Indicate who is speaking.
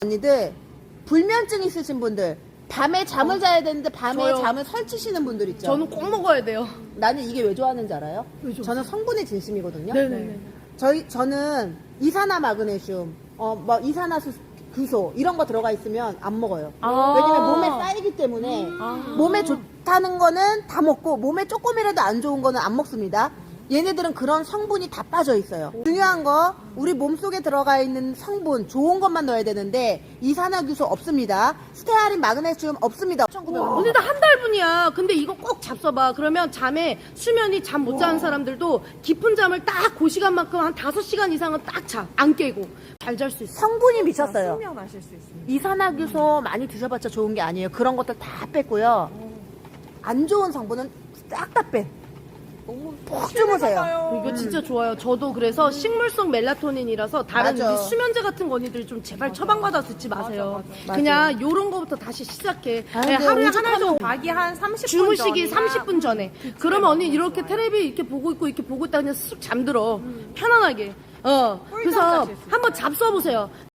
Speaker 1: 언니들 불면증 있으신 분들 밤에 잠을 자야 되는데 밤에
Speaker 2: 저요.
Speaker 1: 잠을 설치시는 분들 있죠.
Speaker 2: 저는 꼭 먹어야 돼요.
Speaker 1: 나는 이게 왜 좋아하는지 알아요?
Speaker 2: 왜죠?
Speaker 1: 저는 성분이 진심이거든요.
Speaker 2: 네네네.
Speaker 1: 저는 이산화 마그네슘, 뭐 이산화수 규소 이런 거 들어가 있으면 안 먹어요.
Speaker 2: 아.
Speaker 1: 왜냐면 몸에 쌓이기 때문에 몸에 좋다는 거는 다 먹고 몸에 조금이라도 안 좋은 거는 안 먹습니다. 얘네들은 그런 성분이 다 빠져 있어요. 중요한 거 우리 몸속에 들어가 있는 성분 좋은 것만 넣어야 되는데 이산화규소 없습니다. 스테아린 마그네슘 없습니다. 1900원.
Speaker 2: 언니 나 한 달분이야. 근데 이거 꼭 잡숴봐. 그러면 잠에 수면이 잠 못 자는 사람들도 깊은 잠을 딱 그 시간만큼 한 5시간 이상은 딱 자. 안 깨고 잘 잘 수 있어.
Speaker 1: 성분이 미쳤어요.
Speaker 3: 숙면하실 수 있습니다.
Speaker 1: 이산화규소 많이 드셔봤자 좋은 게 아니에요. 그런 것들 다 뺐고요. 안 좋은 성분은 싹 다 빼.
Speaker 3: 너무
Speaker 1: 푹 주무세요.
Speaker 2: 이거 진짜 좋아요. 저도 그래서 식물성 멜라토닌이라서 다른
Speaker 1: 맞아.
Speaker 2: 우리 수면제 같은 거 언니들 좀 제발 처방받아 듣지 마세요.
Speaker 1: 맞아.
Speaker 2: 그냥 요런 거부터 다시 시작해.
Speaker 1: 아,
Speaker 2: 네,
Speaker 1: 근데
Speaker 2: 하루에
Speaker 1: 오죽하면
Speaker 2: 하나 정도
Speaker 3: 자기 한 30분
Speaker 2: 주무시기
Speaker 3: 전이나
Speaker 2: 30분 전에. 그러면 언니 이렇게 텔레비 이렇게 보고 있고 이렇게 보고 있다 그냥 쑥 잠들어. 편안하게. 그래서
Speaker 3: 꿀잠 자실 수
Speaker 2: 한번 잡숴보세요.